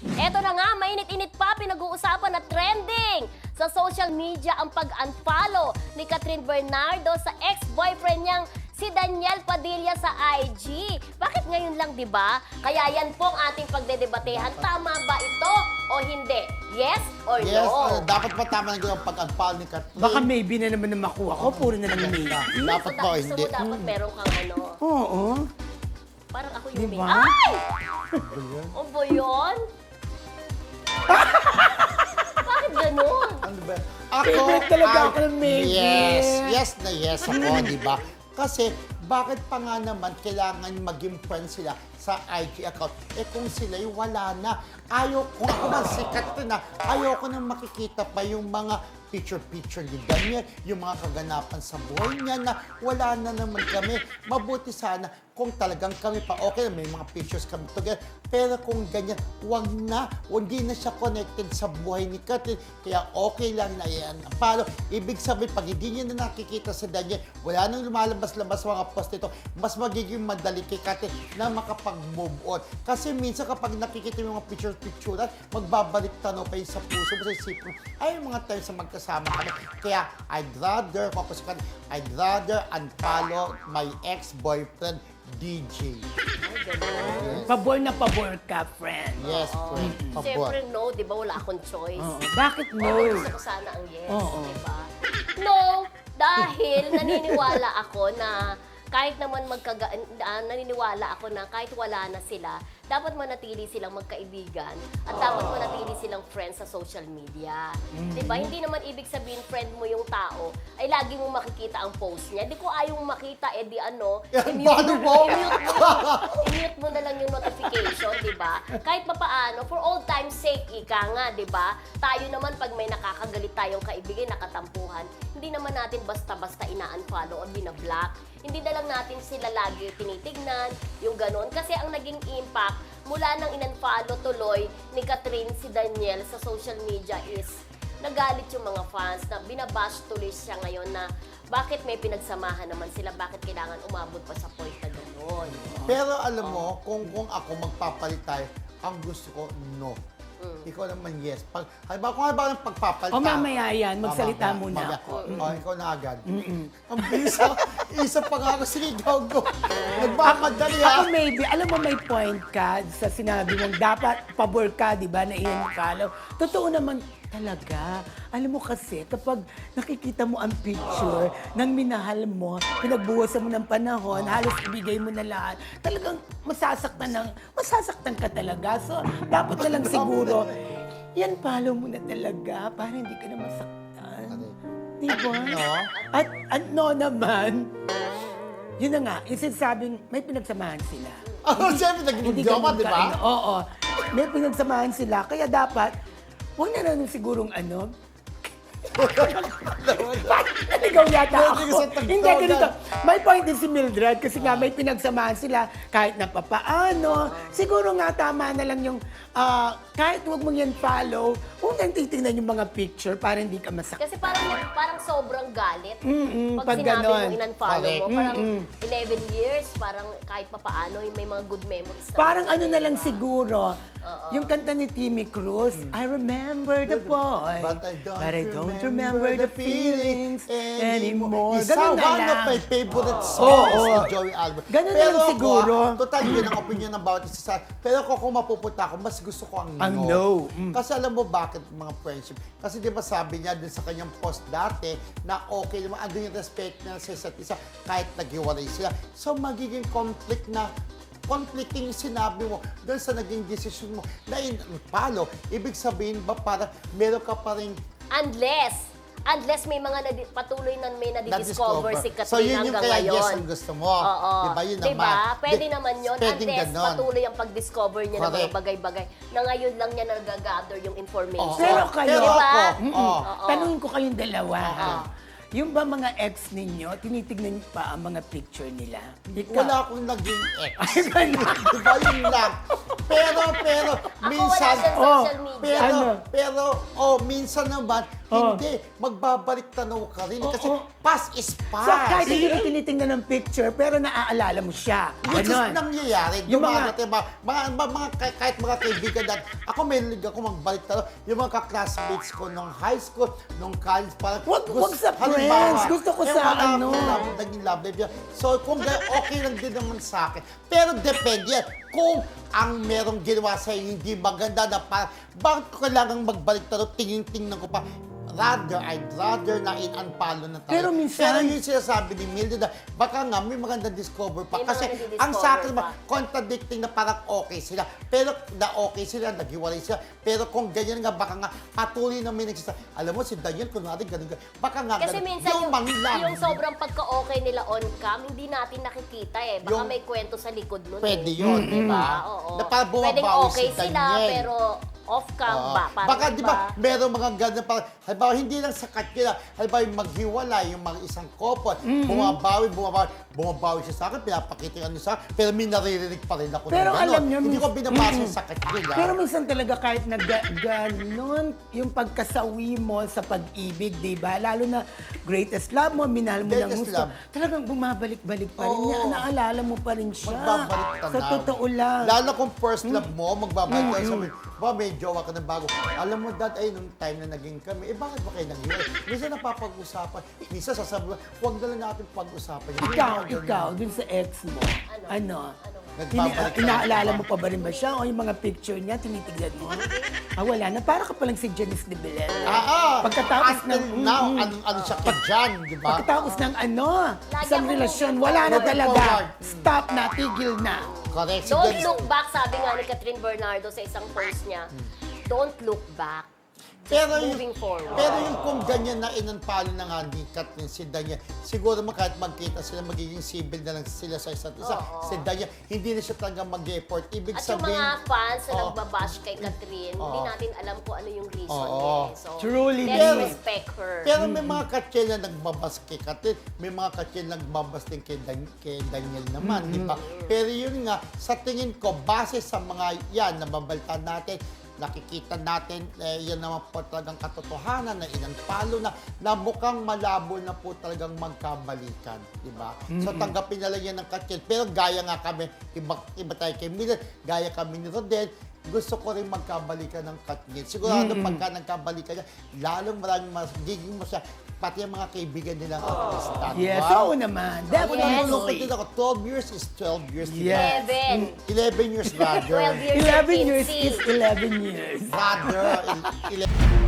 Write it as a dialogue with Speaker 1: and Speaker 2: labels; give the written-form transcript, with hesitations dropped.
Speaker 1: Eto na nga, mainit-init pa, pinag-uusapan na trending sa social media ang pag-unfollow ni Catherine Bernardo sa ex-boyfriend niyang si Daniel Padilla sa IG. Bakit ngayon lang, di ba? Kaya yan po ang ating pagdedebatehan. Tama ba ito o hindi? Yes or
Speaker 2: Yes,
Speaker 1: no?
Speaker 2: dapat ba tama na yung pag-unfollow ni Catherine?
Speaker 3: Baka maybe na naman na makuha ko, puro na lang maybe.
Speaker 2: Dapat ba o
Speaker 1: Gusto
Speaker 2: hindi?
Speaker 1: mo dapat meron kang ano,
Speaker 3: Oo.
Speaker 1: parang ako yung
Speaker 3: Diba?
Speaker 1: Ay! O ba yun? Bakit ganun?
Speaker 2: Ano ba?
Speaker 3: Favorite talaga ako ng maybe.
Speaker 2: Yes na yes ako, di ba? Kasi, bakit pa nga naman kailangan maging friends sila sa IG account? Eh kung sila'y wala na. Kung ako man sikat na, ayoko nang makikita pa yung mga picture-picture ni Daniel, yung mga kaganapan sa buhay niya na wala na naman kami. Mabuti sana kung talagang kami pa okay, may mga pictures kami together. Pero kung ganyan, wag na. Hindi na siya connected sa buhay ni Catherine. Kaya okay lang na yan. Paano? Ibig sabihin, pag hindi niya na nakikita sa Daniel, wala nang lumalabas-labas mga post nito, mas magiging madali kay Catherine na makapag-move on. Kasi minsan kapag nakikita mo yung mga picture-picturean, magbabalik tanaw pa yun sa puso mo, sa isip mo, ay mga times na magkasama kami. Kaya I'd rather, I'd rather unfollow my ex-boyfriend, DJ.
Speaker 3: Pabor na pabor ka, friend.
Speaker 2: Yes, friend. Pabor.
Speaker 1: Siyempre no, di ba? Wala akong choice.
Speaker 3: Oo. Bakit no?
Speaker 1: Gusto ko sana ang yes,
Speaker 3: Oo.
Speaker 1: di ba? No, dahil naniniwala ako na kahit naman naniniwala ako na kahit wala na sila, dapat manatili silang magkaibigan at dapat manatili silang friends sa social media. Diba? Hindi naman ibig sabihin friend mo yung tao ay lagi mo makikita ang post niya. Di ko ayaw mo makita, di ano,
Speaker 2: Paano mo?
Speaker 1: i-mute mo na lang yung notification, diba? Kahit papaano, for all time's sake, ika nga, diba? Tayo naman, pag may nakakagalit tayong kaibigan, nakatampuhan, hindi naman natin basta-basta ina-unfollow o binablock. Hindi na lang natin sila lagi tinitignan, yung ganon. Kasi ang naging impact, mula nang in-unfollow tuloy ni Catherine si Daniel sa social media is nagalit yung mga fans na binabash tuloy siya ngayon na bakit may pinagsamahan naman sila, bakit kailangan umabot pa sa point na gano'n.
Speaker 2: Pero alam mo, kung ako magpapalit tayo, ang gusto ko, no. Ikaw naman, yes. Kung halimbawa ng pagpapalit
Speaker 3: O mamaya yan, magsalita
Speaker 2: Mamaya,
Speaker 3: muna
Speaker 2: mamaya.
Speaker 3: ako.
Speaker 2: Ikaw na agad. Ang bisa, isa pa nga ako, sige, go. Nagmamadali ha.
Speaker 3: Ako maybe, alam mo may point ka sa sinabi mong dapat pabor ka, di ba, na i-follow. Totoo naman talaga. Alam mo kasi, kapag nakikita mo ang picture ng minahal mo, pinagbuwasan mo ng panahon, halos ibigay mo na lahat, talagang masasaktan ka talaga. So, dapat na lang siguro, yan follow mo na talaga para hindi ka na masaktan. Di ba?
Speaker 2: No?
Speaker 3: At ano naman, yun na nga, yung sinasabing may pinagsamahan sila.
Speaker 2: Siyempre,
Speaker 3: Hindi
Speaker 2: nag-video ka,
Speaker 3: ganun
Speaker 2: di ba?
Speaker 3: Oo. May pinagsamahan sila, kaya dapat, huwag na lang sigurong ano. Naligaw yata
Speaker 2: Pwede
Speaker 3: ako.
Speaker 2: ka sa tagtaw
Speaker 3: Hindi, ganito.
Speaker 2: na.
Speaker 3: May point din si Mildred kasi nga may pinagsamahan sila kahit na papaano. Siguro nga tama na lang yung kahit huwag mong yan follow, huwag nang titignan yung mga picture para hindi ka masaktan.
Speaker 1: Kasi parang sobrang galit.
Speaker 3: pag
Speaker 1: sinabi
Speaker 3: ganon.
Speaker 1: mo in-unfollow mo,
Speaker 2: Correct.
Speaker 1: parang 11 years, parang kahit papaano, may mga good memories.
Speaker 3: Parang ano na lang siguro, yung kanta ni Timmy Cruz, I remember the boy,
Speaker 2: But I don't
Speaker 3: remember the feelings anymore.
Speaker 2: Isa,
Speaker 3: Ganun na
Speaker 2: one
Speaker 3: lang.
Speaker 2: of my favorite songs ni Joey Albert.
Speaker 3: Ganun na lang siguro.
Speaker 2: Total, yun ang opinion ng bawat isa sa... Pero kung mapupunta ako, mas gusto ko ang no.
Speaker 3: Ang no.
Speaker 2: Kasi alam mo bakit mga friendship? Kasi di ba sabi niya dun sa kanyang post dati na okay naman, andun yung respect na sa isa't isa kahit naghiwalay sila. So magiging conflicting yung sinabi mo doon sa naging decision mo na in-follow. Ibig sabihin ba para meron ka pa rin
Speaker 1: Unless may mga patuloy na may nadidiscover si Catherine
Speaker 2: so yun yung
Speaker 1: hanggang
Speaker 2: kaya
Speaker 1: ngayon.
Speaker 2: yes ang gusto mo.
Speaker 1: Oo.
Speaker 2: Diba yun
Speaker 1: Diba?
Speaker 2: naman.
Speaker 1: Pwede naman yun.
Speaker 2: Pwedeng
Speaker 1: Unless
Speaker 2: ganon.
Speaker 1: patuloy ang pag-discover niya ng mga
Speaker 2: Correct.
Speaker 1: bagay-bagay na ngayon lang niya nag-gather yung information.
Speaker 3: Pero kayo,
Speaker 2: Pero
Speaker 1: Diba?
Speaker 2: ako,
Speaker 3: Tanungin ko kayong dalawa. Yung ba mga ex ninyo, tinitignan niyo pa ang mga picture nila? Ikaw.
Speaker 2: wala akong naging ex.
Speaker 3: Ay, ganun.
Speaker 2: Diba yun lang? Pero,
Speaker 1: Ako wala
Speaker 2: minsan,
Speaker 1: sa social media.
Speaker 3: Ano?
Speaker 2: pero, minsan naman,
Speaker 3: Oh.
Speaker 2: Hindi, magbabalik tanaw ka rin. Kasi
Speaker 3: Oo.
Speaker 2: past is past.
Speaker 3: So, kahit hindi mo tinitingnan ng picture, pero naaalala mo siya.
Speaker 2: Which is
Speaker 3: Ganon.
Speaker 2: nangyayari.
Speaker 3: Yung
Speaker 2: Dumarating kahit mga kaibigan natin. Ako may liga ako magbalik tanaw. Yung mga ka-classmates ko nung high school, nung college, parang
Speaker 3: Wag sa
Speaker 2: halimbawa,
Speaker 3: friends. Gusto ko sa
Speaker 2: wala
Speaker 3: ano.
Speaker 2: akong naging love life yun. So, kung okay lang din naman sa akin. Pero depende yan. Kung ang merong ginawa sa'yo hindi maganda na parang, bakit ko kailangang magbalik tanaw, tingin-tingnan ko pa. I'd rather na in-unfollow na tayo.
Speaker 3: Pero minsan-
Speaker 2: Pero yung sinasabi ni Mildred na baka nga may magandang discover pa.
Speaker 1: May
Speaker 2: Kasi
Speaker 1: mga nadi-discover
Speaker 2: ang sa akin naman,
Speaker 1: pa.
Speaker 2: contradicting na parang okay sila. Pero na okay sila, naghiwalay sila. Pero kung ganyan nga, baka nga patuloy na may nagsasabi. Alam mo, si Daniel, kunwari, ganun. Baka nga
Speaker 1: Kasi
Speaker 2: ganun.
Speaker 1: minsan yung
Speaker 2: manglang.
Speaker 1: sobrang pagka-okay nila on cam, hindi natin nakikita eh. Baka
Speaker 2: Yung-
Speaker 1: may kwento sa likod nun
Speaker 2: Pwede
Speaker 1: eh.
Speaker 2: yun, di ba?
Speaker 1: Oo.
Speaker 2: Na parang
Speaker 1: Pwedeng
Speaker 2: bumabawi
Speaker 1: okay
Speaker 2: si
Speaker 1: sila,
Speaker 2: Daniel.
Speaker 1: pero off-cam
Speaker 2: Oo.
Speaker 1: ba? Parang
Speaker 2: Baka di
Speaker 1: iba.
Speaker 2: ba, meron mga ganun parang, halimbawa, hindi lang sa katila, halimbawa yung maghiwalay, yung mga isang couple, bumabawi siya sa akin, pinapakita yung ano sa akin, pero may naririnig pa rin ako
Speaker 3: Pero
Speaker 2: ng ganun.
Speaker 3: alam niyo,
Speaker 2: Hindi ko binabasa sa katila.
Speaker 3: Pero minsan talaga kahit na ganon yung pagkasawi mo sa pag-ibig, di ba? Lalo na greatest love mo, minahal mo ng
Speaker 2: Greatest
Speaker 3: gusto.
Speaker 2: love.
Speaker 3: Talagang bumabalik-balik pa rin
Speaker 2: Oo.
Speaker 3: niya. Naalala mo pa rin siya.
Speaker 2: Magbabalik tanaw.
Speaker 3: Sa totoo lang.
Speaker 2: Lalo kung first love mo, magbabalik ka sabi, may jowa ka na bago. Alam mo, Dad, ay, nung time na naging kami, bakit ba kayo naghiwalay? Minsan napapag-usapan, minsan sasabi mo, huwag na lang natin pag-usapan.
Speaker 3: Ikaw, dun sa ex mo, ano?
Speaker 2: Nagbabalik ka
Speaker 3: Inaalala
Speaker 2: na.
Speaker 3: mo pa ba rin ba siya? O yung mga picture niya, tinitignan mo? Wala na. Para ka palang si Janice de Belen. Pagkatapos
Speaker 2: Until
Speaker 3: ng...
Speaker 2: now, ano siya kay Jan, di ba?
Speaker 3: Pagkatapos ng
Speaker 1: Lagi
Speaker 3: isang
Speaker 1: ako
Speaker 3: relasyon,
Speaker 1: moving
Speaker 3: wala na
Speaker 2: forward.
Speaker 3: talaga.
Speaker 2: Forward.
Speaker 3: Stop na, tigil na.
Speaker 2: Correct. Si
Speaker 1: Don't
Speaker 2: Jan-
Speaker 1: look back, sabi nga ni Catherine Bernardo sa isang post niya. Don't look back.
Speaker 2: Pero
Speaker 1: Moving forward.
Speaker 2: Pero yung kung ganyan na inunfollow na nga ni Kathleen si Daniel, siguro kahit magkita sila, magiging civil na lang sila sa isa't isa.
Speaker 1: Oo.
Speaker 2: Si Daniel, hindi na siya talaga mag-effort. Ibig
Speaker 1: At yung
Speaker 2: sabihin,
Speaker 1: mga fans na
Speaker 2: Oo.
Speaker 1: nagbabash kay Catherine, hindi
Speaker 2: Oo.
Speaker 1: natin alam kung ano yung reason
Speaker 2: Oo.
Speaker 1: eh. So,
Speaker 3: Truly,
Speaker 1: let's
Speaker 2: Pero-
Speaker 1: respect her.
Speaker 2: pero may mga katsel na nagbabas kay Kathleen, may mga katsel na nagbabas din kay Daniel naman, di ba? Pero yun nga, sa tingin ko, base sa mga yan, nababalta natin, nakikita natin, yan naman po talagang katotohanan na inunfollow na mukhang malabo na po talagang magkabalikan, di ba? So tanggapin na lang yan ng katsel. Pero gaya nga kami, iba tayo kay Mildred, gaya kami ni Rodel, gusto ko rin magkabalikan ng Katniss. Sigurado pagka nagkabalikan niya, lalong maraming giging mo siya, pati ang mga kaibigan nilang artista.
Speaker 3: Yes,
Speaker 2: Wow.
Speaker 3: oo naman.
Speaker 1: Yes.
Speaker 2: Nalulungkot
Speaker 3: Definitely.
Speaker 2: din ako. 12 years is 12 years.
Speaker 3: Yes.
Speaker 1: 11.
Speaker 2: 11 years rather.
Speaker 1: 12 years
Speaker 3: 11 years
Speaker 1: 15.
Speaker 3: is 11 years.
Speaker 2: Rather, 11.